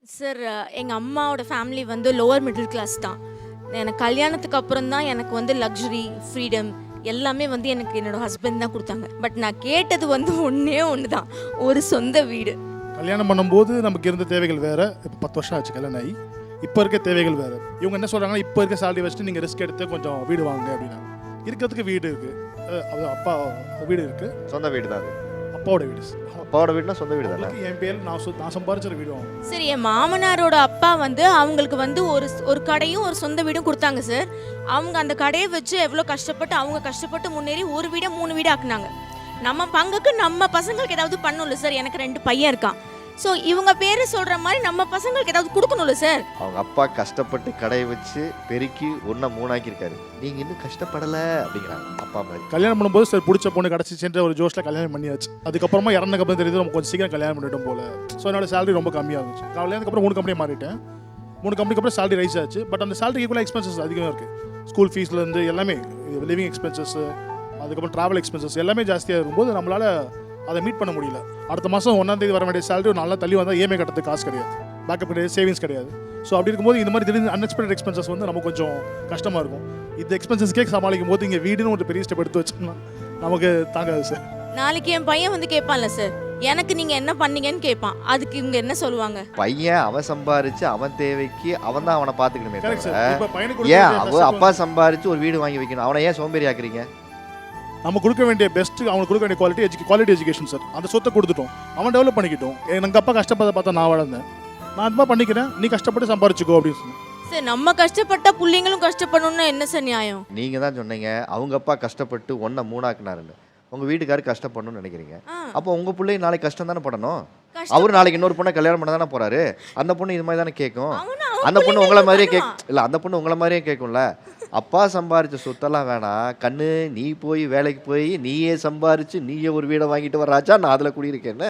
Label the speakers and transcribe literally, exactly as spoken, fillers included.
Speaker 1: Sir, எங்கள் அம்மாவோட family வந்து லோவர் மிடில் கிளாஸ் தான். எனக்கு கல்யாணத்துக்கு அப்புறம் தான் எனக்கு வந்து லக்ஸுரி, ஃப்ரீடம் எல்லாமே வந்து எனக்கு என்னோடய ஹஸ்பண்ட் தான் கொடுத்தாங்க. பட் நான் கேட்டது வந்து ஒன்றே ஒன்று தான், ஒரு சொந்த வீடு.
Speaker 2: கல்யாணம் பண்ணும்போது நமக்கு இருந்த தேவைகள் வேறு. இப்போ பத்து வருஷம் ஆச்சு கல்யாணம் ஆகி. இப்போ இருக்க தேவைகள் வேறு. இவங்க என்ன சொல்கிறாங்கன்னா, இப்போ இருக்க சேலரி வச்சுட்டு நீங்கள் ரிஸ்க் எடுத்து கொஞ்சம் வீடு வாங்க அப்படின்னா. இருக்கிறதுக்கு வீடு இருக்குது, அது அப்பா வீடு இருக்குது.
Speaker 3: சொந்த வீடு தான் அது.
Speaker 2: அப்பாவோட வீடு.
Speaker 3: அப்பாவோட வீடுனா சொந்த வீடு தானே.
Speaker 2: என் பேர் நான் சொ நான் சம்பாரிச்ச வீடு வாங்க.
Speaker 1: சரி, என் மாமனாரோட அப்பா வந்து அவங்களுக்கு வந்து ஒரு ஒரு கடையும் ஒரு சொந்த வீடும் கொடுத்தாங்க சார். அவங்க அந்த கடையை வச்சு எவ்வளோ கஷ்டப்பட்டு அவங்க கஷ்டப்பட்டு முன்னேறி ஒரு வீடை மூணு வீடு ஆக்குனாங்க. நம்ம பங்குக்கு நம்ம பசங்களுக்கு ஏதாவது பண்ணணும்ல சார். எனக்கு ரெண்டு பையன் இருக்கான். ஸோ இவங்க பேர் சொல்கிற மாதிரி நம்ம பசங்களுக்கு ஏதாவது கொடுக்கணும்ல சார்.
Speaker 3: அவங்க அப்பா கஷ்டப்பட்டு கடையை வச்சு பெருக்கி ஒன்றா மூணாக்கியிருக்காரு. நீங்கள் இன்னும் கஷ்டப்படலை அப்படிங்கிறாங்க அப்பா மாதிரி.
Speaker 2: கல்யாணம் பண்ணும்போது சார் பிடிச்ச பொண்ணு கிடச்சிச்சுன்ற ஒரு ஜோஷில் கல்யாணம் பண்ணியாச்சு. அதுக்கப்புறமா இறந்தக்கப்புறம் தெரியுது நம்ம கொஞ்சம் சீக்கிரம் கல்யாணம் பண்ணிட்டோம் போல. ஸோ என்னோட சேலரி ரொம்ப கம்மியாக இருந்துச்சு. கல்யாணத்துக்கு அப்புறம் மூணு கம்பெனி மாறிட்டேன். மூணு கம்பெனிக்கு அப்புறம் சேலரி ரைஸ் ஆச்சு. பட் அந்த சேலரி ஈக்குவலாக எக்ஸ்பென்சஸ் அதிகமாக இருக்குது. ஸ்கூல் ஃபீஸ்லேருந்து எல்லாமே, லிவிங் எக்ஸ்பென்சஸ், அதுக்கப்புறம் ட்ராவல் எக்ஸ்பென்சஸ் எல்லாமே ஜாஸ்தியாக இருக்கும்போது நம்மளால் அதை மீட் பண்ண முடியல. அடுத்த மாதம் ஒன்றாந்தேதி வர வேண்டிய சேலரி நல்லா தள்ளி வந்தால் இஎம்ஐ கட்டுறதுக்கு காசு கிடையாது, பேக்கப் கிடையாது, சேவிங்ஸ் கிடையாது. ஸோ அப்படி இருக்கும்போது இந்த மாதிரி திடீர்னு அன்எக்ஸ்பெக்டட் எக்ஸ்பென்சஸ் வந்து நமக்கு கொஞ்சம் கஷ்டமாக இருக்கும். இந்த எக்ஸ்பென்சஸ்க்கே சமாளிக்கும் போது இங்கே வீடுன்னு ஒரு பெரிய ஸ்டெப் எடுத்து வச்சோம்னா நமக்கு தாங்காது சார்.
Speaker 1: நாளைக்கு என் பையன் வந்து கேட்பான்ல சார், எனக்கு நீங்கள் என்ன பண்ணீங்கன்னு கேட்பான். அதுக்கு இவங்க என்ன சொல்லுவாங்க?
Speaker 3: பையன் அவன் சம்பாரிச்சு அவன் தேவைக்கு அவன் தான் அவனை பார்த்துக்கணுமே.
Speaker 2: இப்போ
Speaker 3: ஏன் அவன் அப்பா சம்பாரிச்சு ஒரு வீடு வாங்கி வைக்கணும்? அவனை ஏன் சோம்பேறி ஆக்குறீங்க?
Speaker 2: நம்ம கொடுக்க வேண்டிய பெஸ்ட்டு அவனுக்கு கொடுக்க வேண்டிய குவாலிட்டி எஜுகே குவாலிட்டி எஜுகேஷன் சார். அந்த சொத்தை கொடுத்துட்டோம், அவன் டெவலப் பண்ணிக்கிட்டோம். எங்கள் அப்பா கஷ்டப்பட பார்த்தா நான் வளர்ந்தேன், நான் அது மாதிரி பண்ணிக்கிறேன், நீ கஷ்டப்பட்டு சம்பாரிச்சுக்கோ அப்படின்னு சொன்னேன்.
Speaker 1: சார், நம்ம கஷ்டப்பட்ட பிள்ளைங்களும் கஷ்டப்படணும்னு என்ன சார் நியாயம்?
Speaker 3: நீங்கள் தான் சொன்னீங்க அவங்க அப்பா கஷ்டப்பட்டு ஒன்றை மூணாக்குனாருன்னு. உங்கள் வீட்டுக்காரு கஷ்டப்படணும்னு நினைக்கிறீங்க. அப்போ உங்கள் பிள்ளைங்க நாளைக்கு கஷ்டம் தானே படணும். அவர் நாளைக்கு இன்னொரு பொண்ணை கல்யாணம் பண்ண தானே போகிறாரு. அந்த பொண்ணு இது மாதிரி தானே கேட்கும். அந்த பொண்ணு உங்களை மாதிரியே கேட்கும். இல்லை, அந்த பொண்ணு உங்களை மாதிரியே கேட்கும்ல. அப்பா சம்பாரிச்ச சொத்தெல்லாம் வேணாம் கண்ணு, நீ போய் வேலைக்கு போய் நீயே சம்பாரிச்சு நீயே ஒரு வீடை வாங்கிட்டு வர்றாச்சா, நான் அதில் குடியிருக்கேன்னு.